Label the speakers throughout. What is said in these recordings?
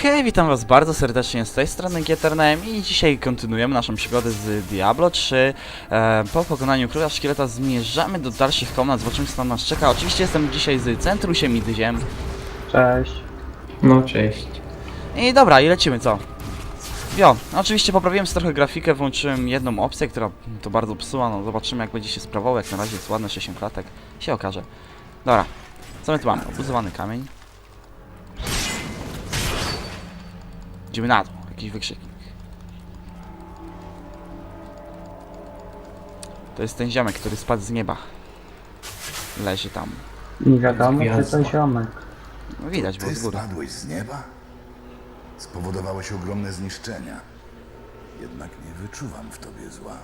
Speaker 1: Hej, witam was bardzo serdecznie z tej strony Getername i dzisiaj kontynuujemy naszą przygodę z Diablo 3. Po pokonaniu króla szkieleta zmierzamy do dalszych komnat, zobaczymy co tam nas czeka. Oczywiście jestem dzisiaj z Centrusiem i Dyziem.
Speaker 2: Cześć.
Speaker 3: No cześć.
Speaker 1: I dobra, i lecimy, co? Oczywiście poprawiłem sobie trochę grafikę, włączyłem jedną opcję, która to bardzo psuła, no zobaczymy jak będzie się sprawował, jak na razie jest ładne 60 klatek, się okaże. Dobra, co my tu mamy? Obuzowany kamień. Idziemy na dół, jakiś wykrzyknik. To jest ten ziomek, który spadł z nieba. Leży tam.
Speaker 2: Nie wiadomo, czy
Speaker 3: Gwiazda.
Speaker 2: to ziomek.
Speaker 1: No widać, bo
Speaker 4: Ty
Speaker 1: z góry.
Speaker 4: spadłeś z nieba? Spowodowałeś ogromne zniszczenia. Jednak nie wyczuwam w tobie zła.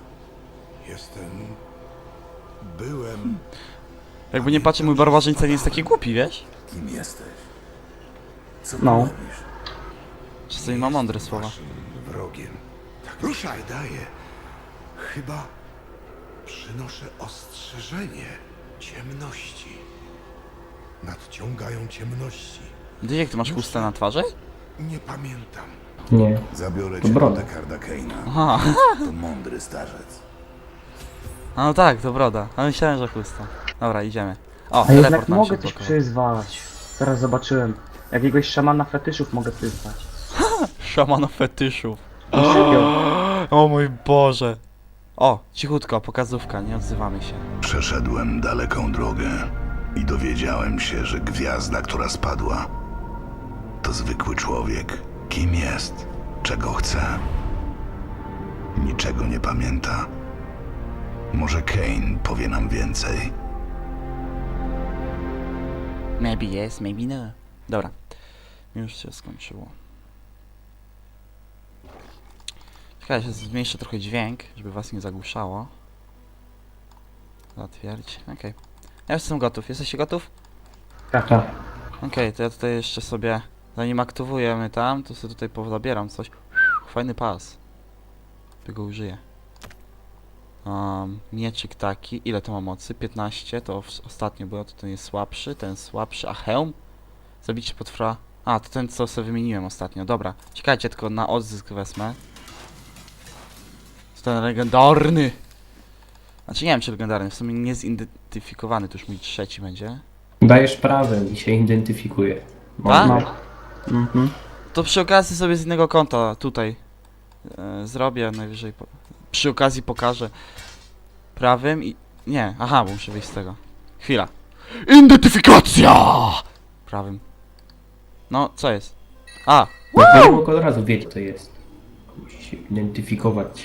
Speaker 4: Byłem...
Speaker 1: Jakby nie patrzę, mój barbarzyńca nie jest taki głupi, wiesz?
Speaker 4: Kim jesteś? Co
Speaker 2: No.
Speaker 4: robisz?
Speaker 1: Czasami ma mądre słowa.
Speaker 5: Waszym wrogiem. Tak mi się wydaje. Chyba przynoszę ostrzeżenie ciemności. Nadciągają ciemności.
Speaker 1: Dyziek, ty masz chustę na twarzy?
Speaker 5: Nie pamiętam.
Speaker 3: Nie.
Speaker 4: Zabiorę
Speaker 3: To
Speaker 4: cię do
Speaker 3: broda.
Speaker 4: Dekarda Kaina.
Speaker 1: Aha,
Speaker 4: To mądry starzec.
Speaker 1: a no tak, to broda. A myślałem, że chusta. Dobra, idziemy. O,
Speaker 2: A jednak
Speaker 1: teleport nam się
Speaker 2: mogę coś
Speaker 1: odblokował.
Speaker 2: przyzwać. Teraz zobaczyłem. Jakiegoś szamana fetyszów mogę przyzwać.
Speaker 1: Szamana fetyszów.
Speaker 2: Serio.
Speaker 1: O mój Boże. O, cichutko, pokazówka, nie odzywamy się.
Speaker 4: Przeszedłem daleką drogę i dowiedziałem się, że gwiazda, która spadła, to zwykły człowiek. Kim jest? Czego chce? Niczego nie pamięta. Może Kain powie nam więcej.
Speaker 1: Maybe yes, maybe no. Dobra, już się skończyło. Czekaj, się zmniejszę trochę dźwięk, żeby was nie zagłuszało. Zatwierdzić, okej. Ja już jestem gotów, jesteście gotów?
Speaker 2: Tak.
Speaker 1: Okej, to ja tutaj jeszcze sobie, zanim aktywujemy tam, to sobie tutaj pozabieram coś. Fajny pas. Tego użyję. Mieczyk taki, ile to ma mocy? 15, to ostatnio było, to ten jest słabszy, ten słabszy, a hełm? Zabicie potwora. A, to ten co sobie wymieniłem ostatnio, dobra. Czekajcie, tylko na odzysk wezmę. To ten legendarny! Znaczy nie wiem czy legendarny, w sumie niezidentyfikowany, to już mój trzeci będzie.
Speaker 3: Dajesz prawem i się identyfikuje.
Speaker 1: Tak?
Speaker 2: No. Mhm.
Speaker 1: To przy okazji sobie z innego konta tutaj zrobię, najwyżej przy okazji pokażę prawym i... Nie, aha, bo muszę wyjść z tego. Chwila. Identyfikacja! Prawym. No, co jest? A!
Speaker 3: No to mogę od razu wiedzieć co to jest. Musi się identyfikować.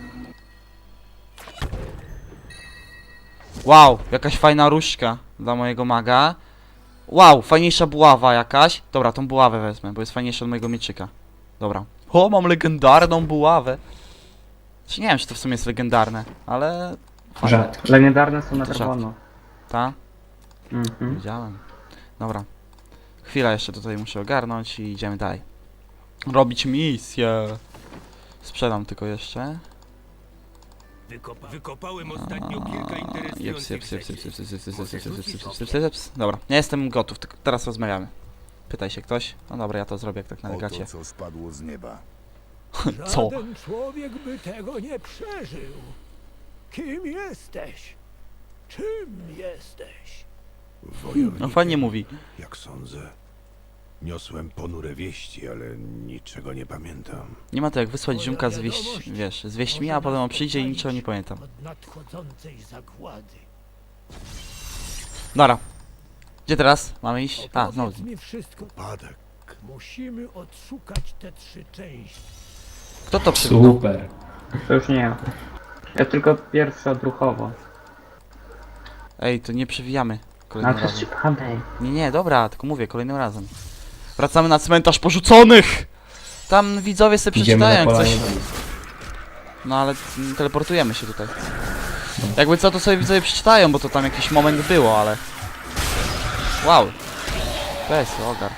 Speaker 1: Wow, jakaś fajna różdżka dla mojego maga. Wow, fajniejsza buława jakaś. Dobra, tą buławę wezmę, bo jest fajniejsza od mojego mieczyka. Dobra. O, mam legendarną buławę. Czy nie wiem, czy to w sumie jest legendarne, ale... fajne.
Speaker 3: Rzadki.
Speaker 2: Legendarne są na
Speaker 1: To
Speaker 2: czerwono.
Speaker 1: Ta?
Speaker 2: Mhm.
Speaker 1: Widziałem. Dobra. Chwila jeszcze tutaj muszę ogarnąć i idziemy dalej. Robić misję. Sprzedam tylko jeszcze.
Speaker 6: Wykopałem ostatnio kilka interesujących
Speaker 1: Jeps. Dobra, ja jestem gotów, tylko teraz rozmawiamy. Pytaj się ktoś. No dobra, ja to zrobię jak tak na
Speaker 4: Oto,
Speaker 1: legacie.
Speaker 4: co spadło z nieba.
Speaker 1: Co?
Speaker 6: Żaden człowiek by tego nie przeżył. Kim jesteś? Czym jesteś?
Speaker 5: Wojownikiem,
Speaker 1: No fajnie mówi.
Speaker 5: jak sądzę. Niosłem ponure wieści, ale niczego nie pamiętam.
Speaker 1: Nie ma to jak wysłać ziomka wiesz, z wieśćmi, a potem on przyjdzie i niczego nie pamiętam.
Speaker 6: Od nadchodzącej zagłady.
Speaker 1: Dobra. Gdzie teraz? Mamy iść? A, znowu.
Speaker 6: Opowiedz mi wszystko.
Speaker 5: Upadek.
Speaker 6: Musimy odszukać te 3 części.
Speaker 1: Kto to przywitał?
Speaker 3: Super.
Speaker 2: To już nie ja. Ja tylko pierwszy odruchowo.
Speaker 1: Ej, to nie przewijamy
Speaker 2: A
Speaker 1: kolejnym
Speaker 2: to jest
Speaker 1: razem.
Speaker 2: ciekawe.
Speaker 1: Nie, dobra, tylko mówię, kolejnym razem. Wracamy na cmentarz porzuconych! Tam widzowie sobie
Speaker 3: Idziemy na
Speaker 1: przeczytają jak coś.
Speaker 3: polanie.
Speaker 1: No ale teleportujemy się tutaj. Jakby co, to sobie widzowie przeczytają, bo to tam jakiś moment było, ale... Wow. Weź, ogar.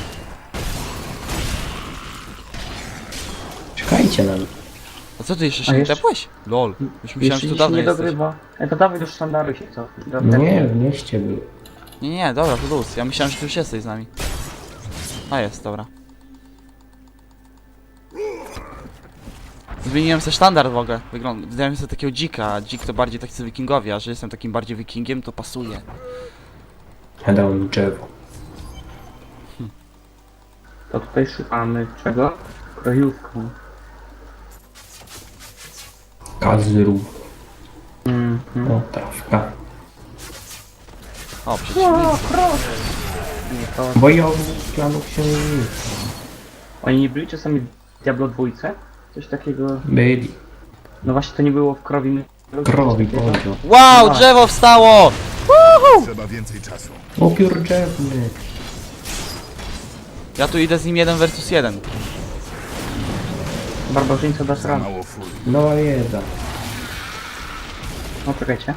Speaker 3: Czekajcie na mnie.
Speaker 1: A co ty jeszcze
Speaker 2: A
Speaker 1: się nie
Speaker 2: jeszcze-
Speaker 1: tepłeś? Lol. Już myślałem, że
Speaker 2: Jeśli
Speaker 1: tu
Speaker 2: się
Speaker 1: dawno
Speaker 2: nie
Speaker 1: jesteś.
Speaker 2: dogrywa. To dawaj do sztandaru się co.
Speaker 3: No nie, w mieście był.
Speaker 1: Nie, dobra, to luz. Ja myślałem, że ty już jesteś z nami. A jest, dobra. Zmieniłem sobie sztandard w ogóle. Dałem sobie takiego dzika, a dzik to bardziej tacy wikingowie, a że jestem takim bardziej wikingiem, to pasuje.
Speaker 3: Ja dałem drzewo.
Speaker 2: To tutaj szukamy czego? Krojówką.
Speaker 3: Kazru.
Speaker 2: Mhm.
Speaker 3: O, trawka.
Speaker 1: O, przeciwnik.
Speaker 2: Nie, to...
Speaker 3: Bojownik klanu księżyca.
Speaker 2: Oni nie byli czasami w Diablo 2? Coś takiego...
Speaker 3: Byli.
Speaker 2: No właśnie to nie było w krowi...
Speaker 3: Krowi powiedział.
Speaker 1: Wow, drzewo wstało!
Speaker 4: Trzeba więcej czasu.
Speaker 3: Upiór drzewny.
Speaker 1: Ja tu idę z nim 1 versus 1.
Speaker 2: Barbarzyńca dasz
Speaker 4: Za
Speaker 2: radę.
Speaker 4: mało furii.
Speaker 3: Nowa wiedza.
Speaker 2: No czekajcie.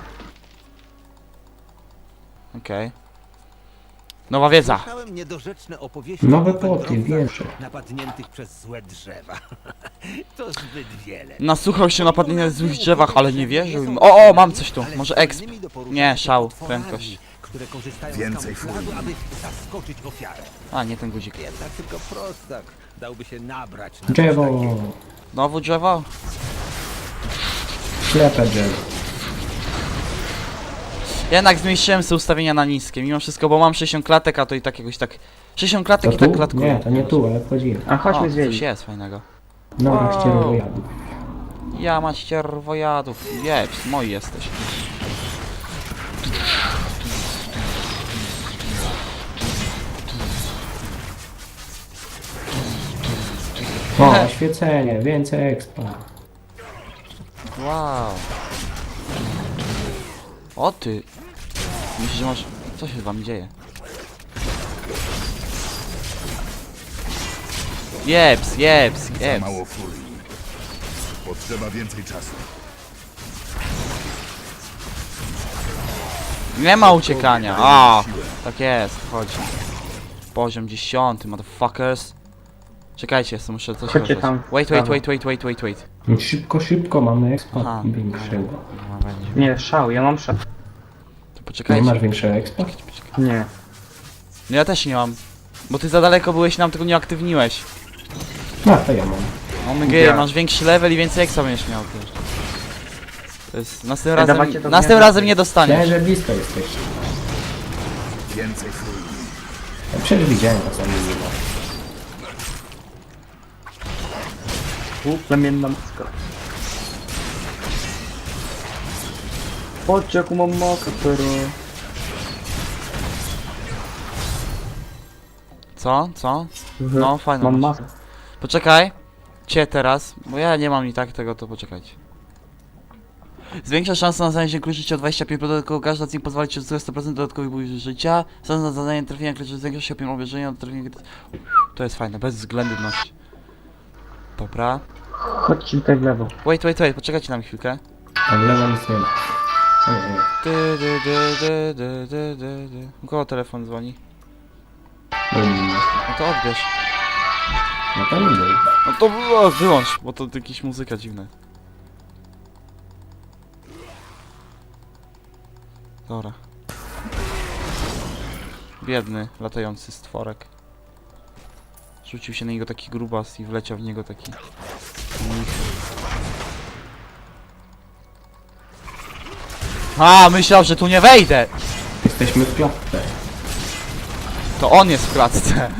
Speaker 1: Okej. Nowa wiedza.
Speaker 7: Słyszałem niedorzeczne opowieści
Speaker 3: Nowe
Speaker 7: o
Speaker 3: płoty,
Speaker 7: wędrowcach
Speaker 3: wieże.
Speaker 7: napadniętych przez złe drzewa. To zbyt wiele.
Speaker 1: Nasłuchał się napadnienia w złych drzewach, ale nie wierzył im. O, mam coś tu. Może exp. Nie, szał, prędkość.
Speaker 7: Które korzystają
Speaker 4: Więcej
Speaker 7: z kamuflażu,
Speaker 4: furii.
Speaker 7: aby zaskoczyć ofiarę.
Speaker 1: A, nie ten guzik.
Speaker 7: Jednak tylko prostak dałby się nabrać na
Speaker 3: Drzewo.
Speaker 7: coś takiego.
Speaker 1: Znowu drzewo?
Speaker 3: Ślepe drzewo.
Speaker 1: Jednak zmniejszyłem sobie ustawienia na niskie, mimo wszystko, bo mam 60 klatek, a to i tak jakoś tak... 60 klatek
Speaker 3: To
Speaker 1: i tak
Speaker 3: tu?
Speaker 1: klatkuje.
Speaker 3: Nie, to nie tu, ale wchodzimy.
Speaker 2: A chodźmy
Speaker 1: O, coś
Speaker 2: zwiedzić.
Speaker 1: jest fajnego.
Speaker 3: Nowa
Speaker 1: Wow.
Speaker 3: ścierwojadów.
Speaker 1: Ja mać ścierwojadów. Jeps, moi jesteś.
Speaker 3: O, oświecenie, więcej expa.
Speaker 1: Wow. O ty. Myślisz, że masz... Co się z wami dzieje? Jeps, jeps,
Speaker 4: Za
Speaker 1: jeps.
Speaker 4: mało furii. Potrzeba więcej czasu.
Speaker 1: Nie ma uciekania. A, tak jest, chodź. Poziom 10, motherfuckers. Czekajcie, jeszcze muszę coś
Speaker 2: Chodźcie
Speaker 1: robić.
Speaker 2: tam.
Speaker 1: Wait.
Speaker 3: Szybko, szybko, mamy expa
Speaker 1: Aha.
Speaker 3: większego.
Speaker 1: No, będzie.
Speaker 2: Nie, szał, ja mam szał.
Speaker 1: To
Speaker 3: Nie
Speaker 1: poczekajcie.
Speaker 3: masz większego expa?
Speaker 2: Nie.
Speaker 1: No ja też nie mam. Bo ty za daleko byłeś, nam tego nie aktywniłeś.
Speaker 3: No, to ja mam.
Speaker 1: OMG,
Speaker 2: Ja.
Speaker 1: masz większy level i więcej ekstra będziesz miał też. To jest...
Speaker 2: dawajcie to
Speaker 1: Następnym
Speaker 2: mnie.
Speaker 1: razem nie dostaniesz.
Speaker 3: Myślałem, że blisko jesteś.
Speaker 4: Więcej furii.
Speaker 3: Ja przecież widziałem was, a nie ma.
Speaker 2: Plemienna maska. Chodźcie, jaką mam mokę, pero...
Speaker 1: Co? Co? No, fajne.
Speaker 2: Mam
Speaker 1: masz.
Speaker 2: maskę.
Speaker 1: Poczekaj. Cię teraz, bo ja nie mam i tak tego, to poczekajcie. Zwiększa szansa na znalezienie klucz życia o 25%, dodatkowo każda z nich pozwala ci uzyskać 100% dodatkowych punktów życia. Szansa na zadanie trafienia klucza zwiększa się o 5 obierzenia do trafienia... To jest fajne, bez względności. Dobra.
Speaker 2: Chodźcie tutaj w lewo.
Speaker 1: Wait, poczekajcie na mnie chwilkę.
Speaker 3: A w lewo nic nie ma. O nie, nie.
Speaker 1: U kogo telefon dzwoni?
Speaker 3: Bum.
Speaker 1: No to odbierz.
Speaker 3: No to nie był.
Speaker 1: No to wyłącz, bo to jakaś muzyka dziwna. Dobra. Biedny, latający stworek. Rzucił się na niego taki grubas i wleciał w niego taki... A, myślał, że tu nie wejdę!
Speaker 3: Jesteśmy w klatce.
Speaker 1: To on jest w klatce.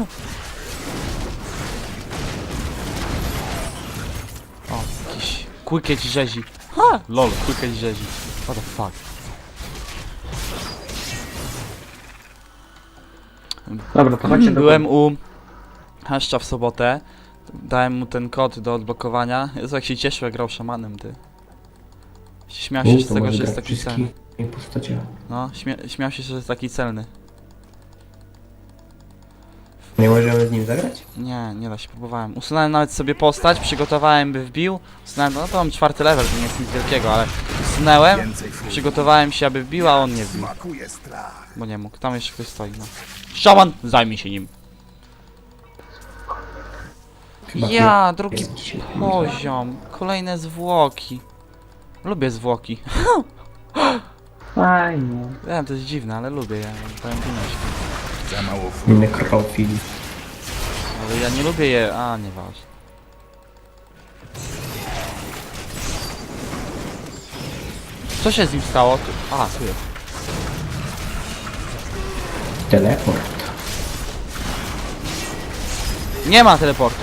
Speaker 1: O, jakiś quicket rzezi. Ha! Lol, quicket rzezi. What the fuck.
Speaker 2: Dobra, to chodźcie do
Speaker 1: Byłem u Haszcza w sobotę. Dałem mu ten kod do odblokowania. Jezu, jak się cieszył, jak grał szamanem, ty. Śmiał się z
Speaker 3: To
Speaker 1: tego,
Speaker 3: może
Speaker 1: że jest
Speaker 3: grać
Speaker 1: taki celny.
Speaker 3: wszystkimi postaciami.
Speaker 1: No, śmiał się, że jest taki celny.
Speaker 3: Nie możemy z nim zagrać?
Speaker 1: Nie da się, próbowałem. Usunąłem nawet sobie postać, przygotowałem, by wbił. Usunąłem, no to mam 4. level, to nie jest nic wielkiego, ale usunąłem,
Speaker 4: Więcej furii.
Speaker 1: przygotowałem się, aby wbił, a on nie wbił.
Speaker 4: Smakuje strach.
Speaker 1: Bo nie mógł, tam jeszcze ktoś stoi, no. Szaman, zajmij się nim.
Speaker 3: Chyba
Speaker 1: Ja,
Speaker 3: nie.
Speaker 1: drugi
Speaker 3: Jest dzisiaj.
Speaker 1: poziom. Kolejne zwłoki. Lubię zwłoki.
Speaker 2: Fajnie.
Speaker 1: Wiem, to jest dziwne, ale lubię je. Powiem
Speaker 4: Za mało furii.
Speaker 3: Nekrofil.
Speaker 1: ale ja nie lubię je... A, nieważne. Co się z nim stało? Tu... A, tu jest.
Speaker 3: Teleport.
Speaker 1: Nie ma teleportu.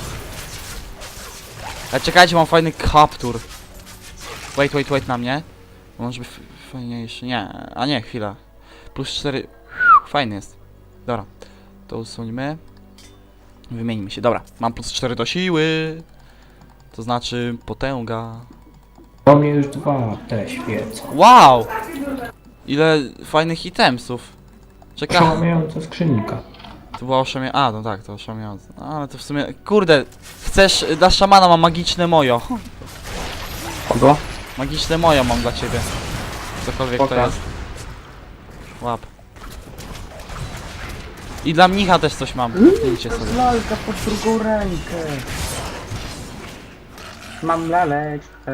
Speaker 1: Ale czekajcie, mam fajny kaptur. Wait na mnie. Bo może być fajniejszy. Nie, a nie, chwila. Plus 4. Fajny jest. Dobra. To usuńmy. Wymienimy się. Dobra, mam plus 4 do siły. To znaczy potęga.
Speaker 3: Do mnie już 2 te świece.
Speaker 1: Wow! Ile fajnych itemsów. Czekaj.
Speaker 3: Przełamiająca skrzynka.
Speaker 1: To była oszamia... A, no tak, to oszamiające. No, ale to w sumie... Kurde! Chcesz... Dla szamana mam magiczne mojo.
Speaker 2: Kogo?
Speaker 1: Magiczne mojo mam dla ciebie. Cokolwiek to
Speaker 2: Pokaż.
Speaker 1: jest. Łap. I dla mnicha też coś mam. Idźcie sobie.
Speaker 2: Lalka pod drugą rękę. Mam laleczkę.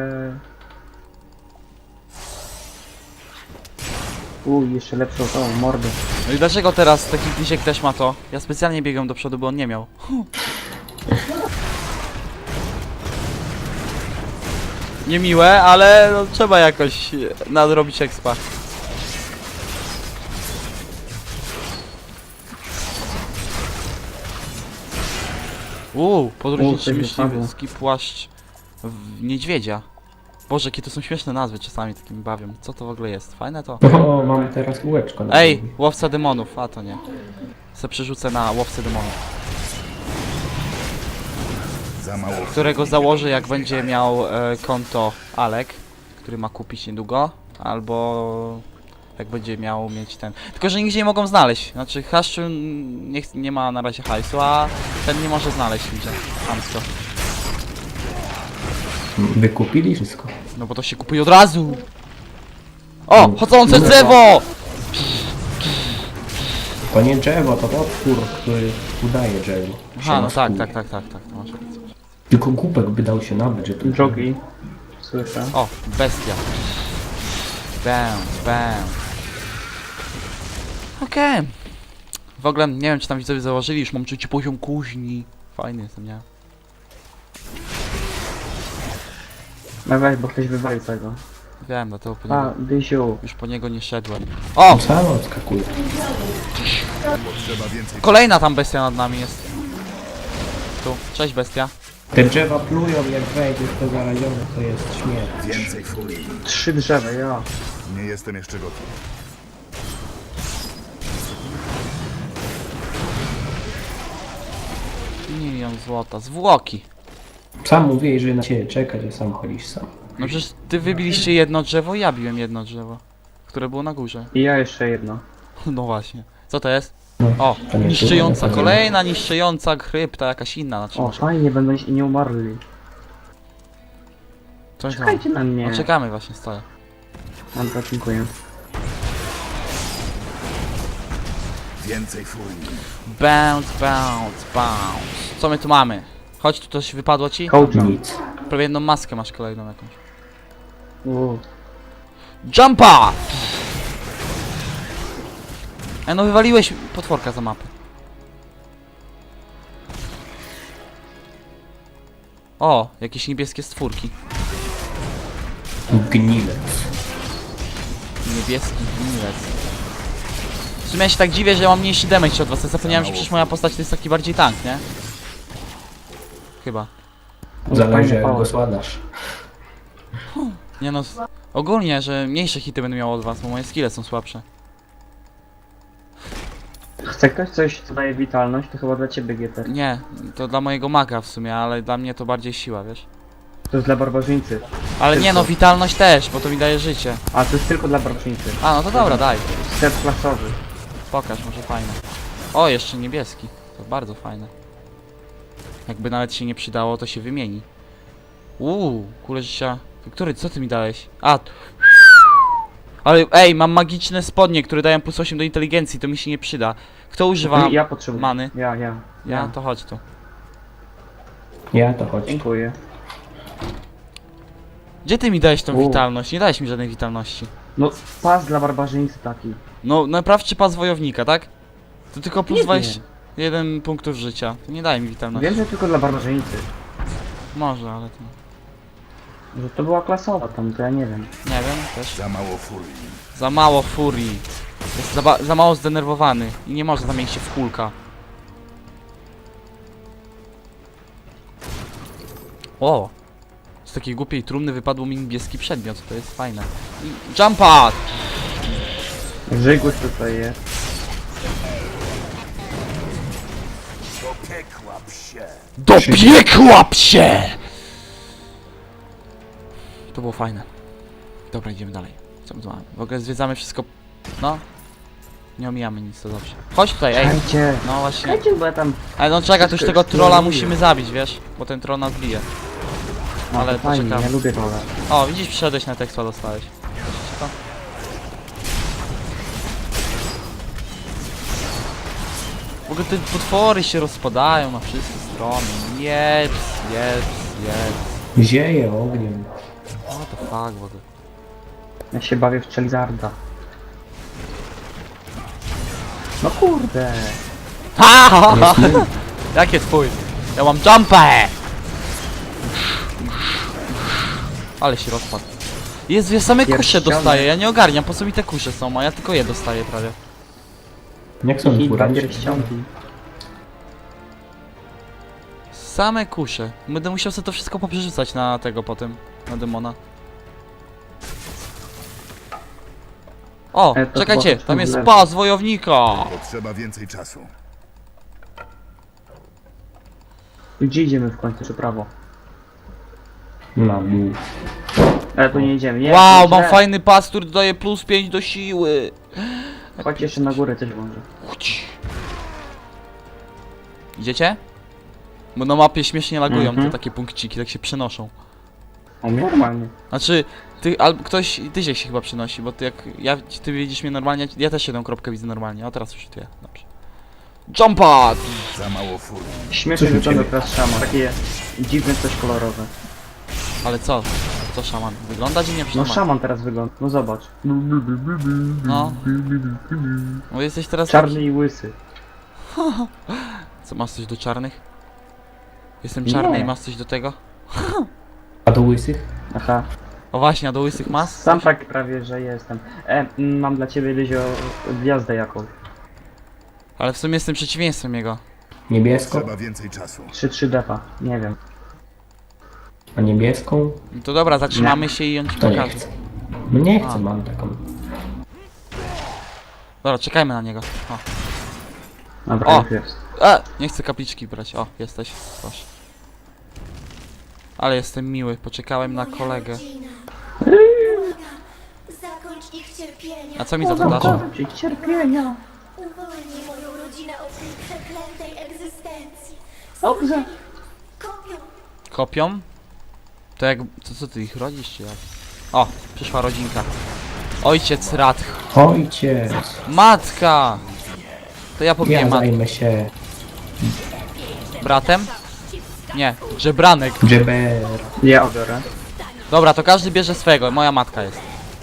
Speaker 2: Jeszcze lepszą tą mordę.
Speaker 1: No i dlaczego teraz taki Glisiek też ma to? Ja specjalnie biegam do przodu, bo on nie miał. Niemiłe, ale no, trzeba jakoś nadrobić expa. Podróżniczy
Speaker 2: coś
Speaker 1: myśliwy,
Speaker 2: wypadło.
Speaker 1: płaszcz w niedźwiedzia. Boże, jakie to są śmieszne nazwy, czasami takimi bawią. Co to w ogóle jest? Fajne to?
Speaker 3: O, mamy teraz kółeczko na
Speaker 1: Ej,
Speaker 3: głowie.
Speaker 1: łowca demonów, a to nie. Se przerzucę na łowcę demonów.
Speaker 4: Za mało.
Speaker 1: Którego założę, jak będzie miał konto Alek, który ma kupić niedługo, albo jak będzie miał mieć ten. Tylko że nigdzie nie mogą znaleźć. Znaczy Haszczu nie ma na razie hajsu, a ten nie może znaleźć nigdzie. Chamsko.
Speaker 3: Wykupili wszystko.
Speaker 1: No bo to się kupuje od razu. O! Chodzące drzewo!
Speaker 3: To nie drzewo, to potwór, który udaje drzewo.
Speaker 1: Aha, no tak,
Speaker 3: Maskuje.
Speaker 1: tak. To masz rację.
Speaker 3: Tylko głupek by dał się nawet, że tu...
Speaker 2: Jogi. Słyszę.
Speaker 1: O, bestia. Bounce. Okej. W ogóle nie wiem, czy tam widzowie założyli, już mam trzeci poziom kuźni. Fajny jestem, nie?
Speaker 2: No weź, bo ktoś wywalił tego.
Speaker 1: Wiem, dlatego po
Speaker 2: A,
Speaker 1: niego,
Speaker 2: Dysiu.
Speaker 1: już po niego nie szedłem. O!
Speaker 3: Sam odskakuje.
Speaker 1: Kolejna tam bestia nad nami jest. Tu, cześć bestia.
Speaker 3: Te drzewa plują, jak wejdziesz to zarazione, to jest śmierć.
Speaker 4: Więcej furii.
Speaker 2: 3 drzewa, ja.
Speaker 4: Nie jestem jeszcze gotów.
Speaker 1: Milion złota. Zwłoki.
Speaker 3: Sam mówię, że na ciebie czekać, a sam chodzisz sam.
Speaker 1: No przecież ty wybiliście jedno drzewo, ja biłem jedno drzewo. Które było na górze.
Speaker 2: I ja jeszcze jedno.
Speaker 1: No właśnie. Co to jest?
Speaker 3: No,
Speaker 1: O,
Speaker 3: to nie
Speaker 1: niszczyjąca,
Speaker 3: trudno,
Speaker 1: kolejna niszczyjąca krypta, jakaś inna, znaczy
Speaker 2: O,
Speaker 1: może.
Speaker 2: fajnie, będą i nie umarli.
Speaker 1: Coś tam.
Speaker 2: Czekajcie na mnie.
Speaker 1: No czekamy właśnie, stoję.
Speaker 2: Dobra, dziękuję.
Speaker 4: Więcej furii.
Speaker 1: Bounce. Co my tu mamy? Chodź, tu coś wypadło ci?
Speaker 2: Coacha.
Speaker 3: Nic.
Speaker 1: Prawie jedną maskę masz kolejną jakąś.
Speaker 2: Uuu.
Speaker 1: Jumpa! No wywaliłeś potworka za mapę. O, jakieś niebieskie stwórki.
Speaker 3: Gnilec.
Speaker 1: Niebieski gnilec. W sumie ja się tak dziwię, że mam mniejszy damage od was. Ja zapomniałem, że przecież moja postać to jest taki bardziej tank, nie? Chyba.
Speaker 3: Zależy
Speaker 2: Fajny
Speaker 3: jak go
Speaker 2: power.
Speaker 3: składasz.
Speaker 1: Nie no, ogólnie, że mniejsze hity będę miał od was, bo moje skille są słabsze.
Speaker 2: Chce ktoś coś, co daje witalność? To chyba dla ciebie GT.
Speaker 1: Nie, to dla mojego maga w sumie, ale dla mnie to bardziej siła, wiesz?
Speaker 2: To jest dla barbarzyńcy.
Speaker 1: Ale nie no,
Speaker 2: Tylko.
Speaker 1: witalność też, bo to mi daje życie.
Speaker 2: A, to jest tylko dla barbarzyńcy.
Speaker 1: A, no to dobra, daj.
Speaker 2: Set klasowy.
Speaker 1: Pokaż, może fajne. O, jeszcze niebieski. To bardzo fajne. Jakby nawet się nie przydało, to się wymieni. Kule życia. Który, co ty mi dałeś? A, ale ej, mam magiczne spodnie, które dają plus 8 do inteligencji, to mi się nie przyda. Kto używa
Speaker 2: Ja potrzebuję.
Speaker 1: many?
Speaker 2: Ja.
Speaker 1: To chodź tu.
Speaker 3: Ja to chodź.
Speaker 2: Dziękuję.
Speaker 1: Gdzie ty mi dałeś tą
Speaker 2: U.
Speaker 1: witalność? Nie dałeś mi żadnej witalności.
Speaker 2: No, pas dla barbarzyńcy taki.
Speaker 1: No, naprawczy pas wojownika, tak? To tylko plus
Speaker 2: Nie
Speaker 1: 21 punktów życia. To nie daje mi witalności.
Speaker 2: Wiem, że tylko dla barbarzyńcy.
Speaker 1: Może, ale to...
Speaker 2: Że to była klasowa tam, to ja nie wiem.
Speaker 1: Nie wiem, też.
Speaker 4: Za mało furii.
Speaker 1: Za mało furii. Jest za mało zdenerwowany i nie może zamienić się w Hulka. O! Z takiej głupiej trumny wypadł mi niebieski przedmiot, to jest fajne. I jump pad!
Speaker 2: Żygłoś tutaj jest.
Speaker 1: Dopiekła psie! To było fajne. Dobra, idziemy dalej. Co my tu mamy? W ogóle zwiedzamy wszystko. No. Nie omijamy nic, to dobrze. Chodź tutaj, ej.
Speaker 2: Czekajcie,
Speaker 1: No właśnie.
Speaker 2: czekajcie, bo ja tam...
Speaker 1: Ale no czekaj, to już
Speaker 2: Wszystko
Speaker 1: tego trolla
Speaker 2: eksploruje.
Speaker 1: musimy zabić, wiesz? Bo ten troll nas bije.
Speaker 2: No,
Speaker 1: Ale
Speaker 2: to fajnie,
Speaker 1: poczekamy.
Speaker 2: ja lubię rolę.
Speaker 1: O, widzisz, przyszedłeś na tekstu, dostałeś. Widzicie to? W ogóle te potwory się rozpadają na wszystkie strony. Jeps, jeps, jeps.
Speaker 3: Zieje ogniem.
Speaker 1: What the fuck, w ogóle.
Speaker 2: Ja się bawię w Charizarda. No kurde.
Speaker 1: Ha, ha, ha. Jakie twój? Ja mam jumpę! Ale się rozpadł. Jezu, ja same kusze
Speaker 2: Pierściony.
Speaker 1: dostaję, ja nie ogarniam, po co mi te kusze są, a ja tylko je dostaję prawie.
Speaker 3: Jak są
Speaker 2: I dwa
Speaker 3: furami?
Speaker 2: pierścionki.
Speaker 1: Same kusze. Będę musiał sobie to wszystko poprzerzucać na tego potem, na demona. O,
Speaker 2: To
Speaker 1: czekajcie,
Speaker 2: chyba
Speaker 1: tam jest
Speaker 2: lewo.
Speaker 1: pas wojownika!
Speaker 4: Potrzeba więcej czasu.
Speaker 2: Gdzie idziemy w końcu, czy prawo?
Speaker 3: Na dół.
Speaker 2: Ale tu nie idziemy, nie.
Speaker 1: Wow,
Speaker 2: tu
Speaker 1: mam
Speaker 2: źle.
Speaker 1: fajny pas, który dodaje plus 5 do siły.
Speaker 2: Chodź jeszcze na górę też może.
Speaker 1: Idziecie? Bo na mapie śmiesznie lagują
Speaker 2: Mhm.
Speaker 1: te takie punkciki, tak się przenoszą.
Speaker 2: O, normalnie.
Speaker 1: Znaczy, ty, albo ktoś, ty się chyba przenosi, bo ty jak, ty widzisz mnie normalnie, ja też jedną kropkę widzę normalnie, a teraz już ty, dobrze. Jump pad!
Speaker 4: Za mało furii.
Speaker 2: Śmiesznie
Speaker 3: Coś u
Speaker 2: wygląda
Speaker 3: ciebie.
Speaker 2: teraz szama. Takie dziwne coś kolorowe.
Speaker 1: Ale co? Co szaman? Wygląda dziwnie
Speaker 2: No
Speaker 1: szaman.
Speaker 2: szaman teraz wygląda. No zobacz.
Speaker 1: No. No jesteś teraz
Speaker 2: Czarny i łysy.
Speaker 1: taki... Co, masz coś do czarnych? Jestem czarny
Speaker 2: Nie.
Speaker 1: i masz coś do tego?
Speaker 3: A do łysych?
Speaker 2: Aha.
Speaker 1: O właśnie, a do łysych masz?
Speaker 2: Sam tak prawie, że jestem. Mam dla ciebie, Lyzio, gwiazdę jakąś.
Speaker 1: Ale w sumie jestem przeciwieństwem jego.
Speaker 3: Niebiesko?
Speaker 4: Potrzeba więcej czasu.
Speaker 2: 3 defa. Nie wiem.
Speaker 3: A niebieską?
Speaker 1: No to dobra, zatrzymamy się i on ci
Speaker 3: To nie
Speaker 1: pokaże.
Speaker 3: chcę. No nie
Speaker 1: A.
Speaker 3: chcę, mam taką.
Speaker 1: Dobra, czekajmy na niego. O.
Speaker 2: Dobra,
Speaker 1: O!
Speaker 2: już jest.
Speaker 1: Nie chcę kapliczki brać. O, jesteś. Proszę. Ale jestem miły, poczekałem na kolegę.
Speaker 8: Zakończ ich cierpienia.
Speaker 1: A co mi za to dasz?
Speaker 2: Zakończyć ich cierpienia.
Speaker 8: Uwolnij moją rodzinę od tej przeklętej egzystencji.
Speaker 2: Dobrze.
Speaker 8: Kopią.
Speaker 1: Kopią? To jak... Co ty ich rodzisz, czy jak? O, przyszła rodzinka. Ojciec Radch.
Speaker 3: Ojciec!
Speaker 1: Matka! To ja pobiję
Speaker 3: Ja
Speaker 1: matkę.
Speaker 3: zajmę się
Speaker 1: Bratem? Nie, żebranek.
Speaker 3: Jeber.
Speaker 2: Ja obiorę.
Speaker 1: Dobra, to każdy bierze swego, moja matka jest.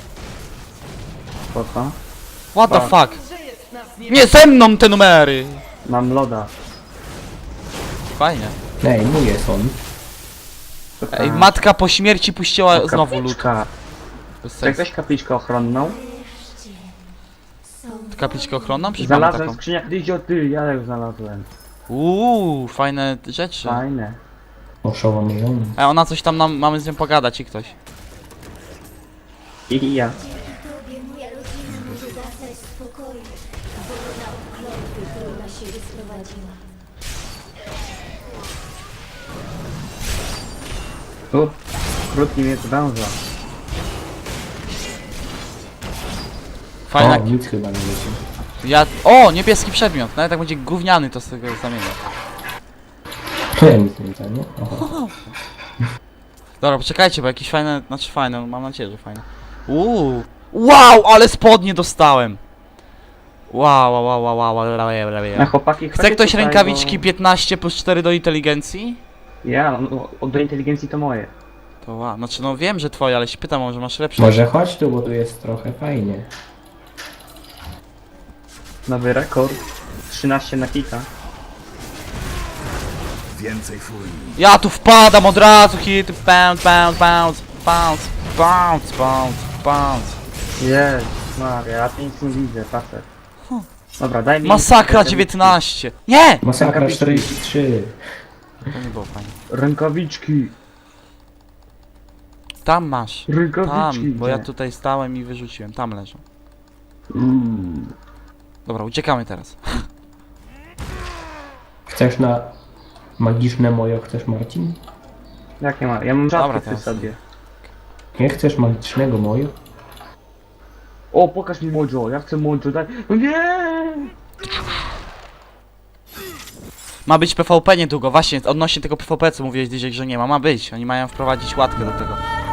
Speaker 2: Po co?
Speaker 1: What the
Speaker 2: Tak.
Speaker 1: fuck? Nie ze mną te numery!
Speaker 2: Mam loda.
Speaker 1: Fajnie.
Speaker 3: Ej, mój jest on.
Speaker 1: Ej, matka po śmierci puściła znowu lód.
Speaker 2: Kapliczka.
Speaker 1: Bez
Speaker 2: Czy
Speaker 1: sensu.
Speaker 2: jakaś kapliczkę ochronną?
Speaker 1: Kapliczkę ochronną? Przecież mamy
Speaker 2: Znalazłem w
Speaker 1: taką.
Speaker 2: skrzyniach. Lyzio, ty, ja ją znalazłem.
Speaker 1: Fajne rzeczy.
Speaker 2: Fajne.
Speaker 3: Oszołomiony.
Speaker 1: Ona coś tam mamy z nią pogadać i ktoś.
Speaker 2: I ja.
Speaker 8: Tobie moja rodzina może zasnąć w spokoju. Wolna od klątwy, którą na siebie sprowadziła.
Speaker 2: Tu. Krótki miecz węża.
Speaker 1: Fajna.
Speaker 3: O, nic chyba nie wiecie.
Speaker 1: O! Niebieski przedmiot. Nawet jak będzie gówniany, to z tego zamienię.
Speaker 3: To ja nic nie widzę, nie? Oho.
Speaker 1: Dobra, poczekajcie, bo jakieś fajne. Znaczy fajne, no mam nadzieję, że fajne. Wow, ale spodnie dostałem! Wow.
Speaker 2: Na chłopaki
Speaker 1: Chce
Speaker 2: chodźcie
Speaker 1: ktoś
Speaker 2: tutaj,
Speaker 1: rękawiczki
Speaker 2: bo...
Speaker 1: 15 plus 4 do inteligencji?
Speaker 2: Ja, no, do inteligencji to moje.
Speaker 1: To wow, znaczy no wiem, że twoje, ale się pytam, może masz lepsze.
Speaker 3: Może chodź tu, bo tu jest trochę fajnie.
Speaker 2: Nowy rekord. 13 na kika.
Speaker 4: Więcej furii.
Speaker 1: Ja tu wpadam od razu, hit, bounce. bounce, bounce, bounce, bounce.
Speaker 2: Jest, Maria, ja tu nic nie widzę, facet. Dobra, daj mi...
Speaker 1: Masakra 19! Nie!
Speaker 3: Masakra
Speaker 2: Rękawiczki.
Speaker 3: 43.
Speaker 1: To nie było fajnie.
Speaker 2: Rękawiczki,
Speaker 1: Tam masz.
Speaker 2: rękawiczki.
Speaker 1: Tam, bo ja
Speaker 2: gdzie?
Speaker 1: tutaj stałem i wyrzuciłem. Tam leżą.
Speaker 2: Mm.
Speaker 1: Dobra, uciekamy teraz.
Speaker 3: Chcesz na magiczne mojo, chcesz Marcin?
Speaker 2: Jak nie ma? Ja mam
Speaker 1: Dobra,
Speaker 2: rzadko przy
Speaker 1: teraz.
Speaker 2: sobie.
Speaker 3: Nie chcesz magicznego mojo?
Speaker 2: O, pokaż mi Mojo, ja chcę Mojo, daj. No nie!
Speaker 1: Ma być PvP niedługo, właśnie, odnośnie tego PvP, co mówiłeś, Dyziek, że nie ma. Ma być, oni mają wprowadzić łatkę do tego.